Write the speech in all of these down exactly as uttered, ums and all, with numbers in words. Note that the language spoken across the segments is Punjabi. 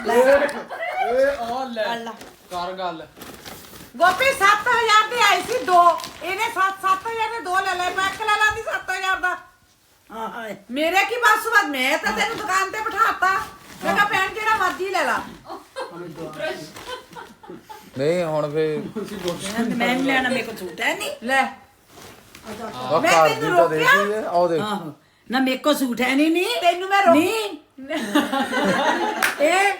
ਏ ਆ ਲੈ ਕਰ ਗੱਲ ਗੋਪੀ ਸੱਤ ਹਜ਼ਾਰ ਦੀ ਆਈ ਸੀ ਦੋ ਇਹਨੇ ਸੱਤ ਸੱਤ ਹਜ਼ਾਰ ਦੇ ਦੋ ਲੈ ਲੈ ਮੈਂ ਇੱਕ ਲੈ ਲਾਂਦੀ ਸੱਤ ਹਜ਼ਾਰ ਦਾ ਹਾਂ ਮੇਰੇ ਕੀ ਬਸ ਬਾਤ ਮੈਂ ਤਾਂ ਤੈਨੂੰ ਦੁਕਾਨ ਤੇ ਬਿਠਾਤਾ ਮੈਂ ਕਿਹਾ ਭੈਣ ਜਿਹੜਾ ਮਰਜ਼ੀ ਲੈ ਲਾ ਨਹੀਂ ਹੁਣ ਫੇ ਮੈਂ ਨਹੀਂ ਲੈਣਾ ਮੇਰੇ ਕੋਲ ਸੂਟ ਹੈ ਨਹੀਂ ਲੈ ਉਹ ਮੈਂ ਘਰ ਤੈਨੂੰ ਦੀ ਤਾਂ ਰੋਕਿਆ? ਦੇਖੀ ਹੈ ਆਓ ਦੇਖ ਆਹੋ ਨਾ ਮੇਰੇ ਕੋਲ ਸੂਟ ਹੈ ਨਹੀਂ ਨਹੀਂ ਤੈਨੂੰ ਮੈਂ ਰੋਕ ਨਹੀਂ ਇਹ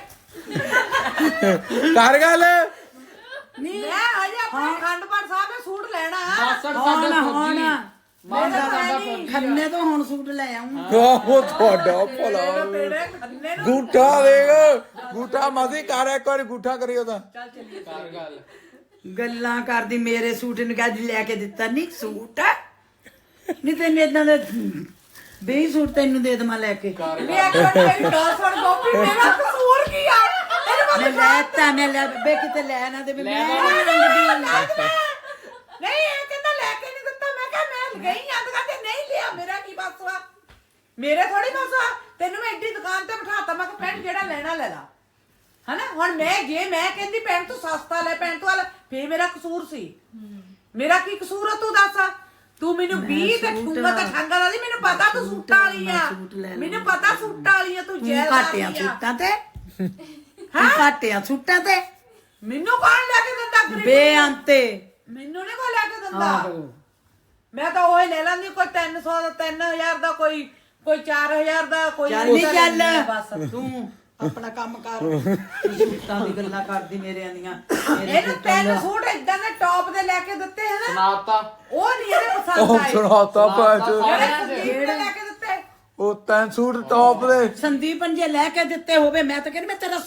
ਕਰ ਗੱਲ ਨਹੀਂ ਮੈਂ ਅਜੇ ਆਪਣੇ ਖੰਡ ਪਾਠ ਸਾਹਿਬ ਦੇ ਸੂਟ ਲੈਣਾ ਮਾਸੜ ਹੁਣ ਸਾਡਾ ਹੁਣ ਮਾਸੜ ਸਾਡਾ ਫੌਜੀ ਖੰਨੇ ਤੋਂ ਹੁਣ ਸੂਟ ਲੈ ਆਉਂ ਉਹ ਤੁਹਾਡਾ ਭਲਾ ਤੇਰੇ ਖੰਨੇ ਨੂੰ ਗੂਠਾ ਦੇਖ ਗੂਠਾ ਮਾਸੀ ਕਰ ਇੱਕ ਵਾਰੀ ਗੂਠਾ ਕਰੀ ਉਹਦਾ ਕਰ ਗੱਲ ਗੱਲਾਂ ਕਰਦੀ ਮੇਰੇ ਸੂਟ ਨੂੰ ਕਹਿੰਦੀ ਲੈ ਕੇ ਦਿੱਤਾ ਨਹੀਂ ਸੂਟ ਨਹੀਂ ਤੈਨੂੰ ਇਦਾਂ ਦੇ ਵੀਹ ਸੂਟ ਤੈਨੂੰ ਦੇ ਦੇਵਾਂ ਲੈ ਕੇ ਕਰ ਵੀ ਇੱਕ ਮਿੰਟ ਮੇਰੀ ਗੱਲ ਸੁਣ ਗੋਪੀ ਮੇਰਾ ਕਸੂਰ ਕੀ ਆ ਤੈਨੂੰ ਮੈਂ ਮੈਂ ਲੈਤਾ ਮੈਂ ਲੈ ਬੇ ਕਿਤੇ ਲੈ ਨਾ ਦੇ ਮੈਂ ਲੈ ਨਹੀਂ ਨਾ। ਮੰਗਦੀ ਨਹੀਂ ਇਹ ਕਹਿੰਦਾ ਲੈ ਕੇ ਨਹੀਂ ਦਿੱਤਾ ਮੈਂ ਕਿਹਾ ਮੈਂ ਗਈ ਆਂ ਦੁਕਾਨ ਤੇ ਨਹੀਂ ਲਿਆ ਮੇਰਾ ਕੀ ਬਸ ਵਾ ਮੇਰੇ ਥੋੜੀ ਬਸ ਆ ਤੈਨੂੰ ਮੈਂ ਐਡੀ ਦੁਕਾਨ ਤੇ ਬਿਠਾਤਾ ਮੈਂ ਕਿਹਾ ਪੈਂਟ ਜਿਹੜਾ ਲੈਣਾ ਲੈ ਲਾ ਹਨਾ ਹੁਣ ਮੈਂ ਜੇ ਮੈਂ ਕਹਿੰਦੀ ਪੈਂਟ ਤੂੰ ਸਸਤਾ ਲੈ ਪੈਂਟ ਵਾਲਾ ਫੇਰ ਮੇਰਾ ਕਸੂਰ ਸੀ ਮੇਰਾ ਕੀ ਕਸੂਰ ਆ ਤੂੰ ਦੱਸ ਤੂੰ ਮੈਨੂੰ ਵੀਹ ਤੇ ਠੂੰਗਾ ਤੇ ਠਾਂਗਾ ਵਾਲੀ ਮੈਨੂੰ ਪਤਾ ਤੂੰ ਸੂਟਾਂ ਵਾਲੀ ਆ ਮੈਨੂੰ ਪਤਾ ਸੂਟਾਂ ਵਾਲੀ ਆ ਤੂੰ ਤੂੰ ਜੈਲ ਘਾਟਿਆ ਵਾਲੀ ਆ ਸੂਟਾਂ ਤੇ ਤੂੰ ਘਾਟਿਆ ਸੂਟਾਂ ਤੇ ਮੈਨੂੰ ਕੌਣ ਲੈ ਕੇ ਦਿੰਦਾ ਗਰੀਬ ਬੇਅੰਤੇ ਮੈਨੂੰ ਨੀ ਕੋਈ ਲੈ ਕੇ ਦਿੰਦਾ ਆਹੋ ਮੈਂ ਤਾਂ ਉਹ ਲੈ ਲੈਂਦੀ ਕੋਈ ਤਿੰਨ ਸੌ ਦਾ ਤਿੰਨ ਹਜ਼ਾਰ ਦਾ ਕੋਈ ਕੋਈ ਚਾਰ ਹਜ਼ਾਰ ਦਾ ਕੋਈ ਚੱਲ ਨਹੀਂ ਉਹਦਾ ਲੈਂਦੀ ਆ ਚੱਲ ਬਸ ਤੂੰ ਆਪਣਾ ਕੰਮ ਕਰ ਤੂੰ ਸੂਟਾਂ ਦੀ ਗੱਲਾਂ ਕਰਦੀ ਮੇਰੇ ਆਂਦੀਆਂ ਇਹਨੂੰ ਤਿੰਨ ਸੂਟ ਇਦਾਂ ਦੇ ਟੌਪ ਦੇ ਲੈ ਕੇ ਦਿੱਤੇ ਹਨ ਸੁਣਾਤਾ ਉਹ ਨਹੀਂ ਇਹਦੇ ਪਸੰਦ ਉਹ ਆਏ ਸੁਣਾਤਾ ਭਾਜ ਜਿਹੜੇ ਸੰਦੀਪ ਨੇ ਲੈ ਕੇ ਦਿੱਤੇ ਉਹ ਤੈਨ ਸੂਟ ਟੌਪ ਦੇ ਸੰਦੀਪ ਨੇ ਜੇ ਲੈ ਕੇ ਦਿੱਤੇ ਹੋਵੇ ਮੈਂ ਤਾਂ ਕਹਿੰਦੀ ਮੈਂ ਤੇਰਾ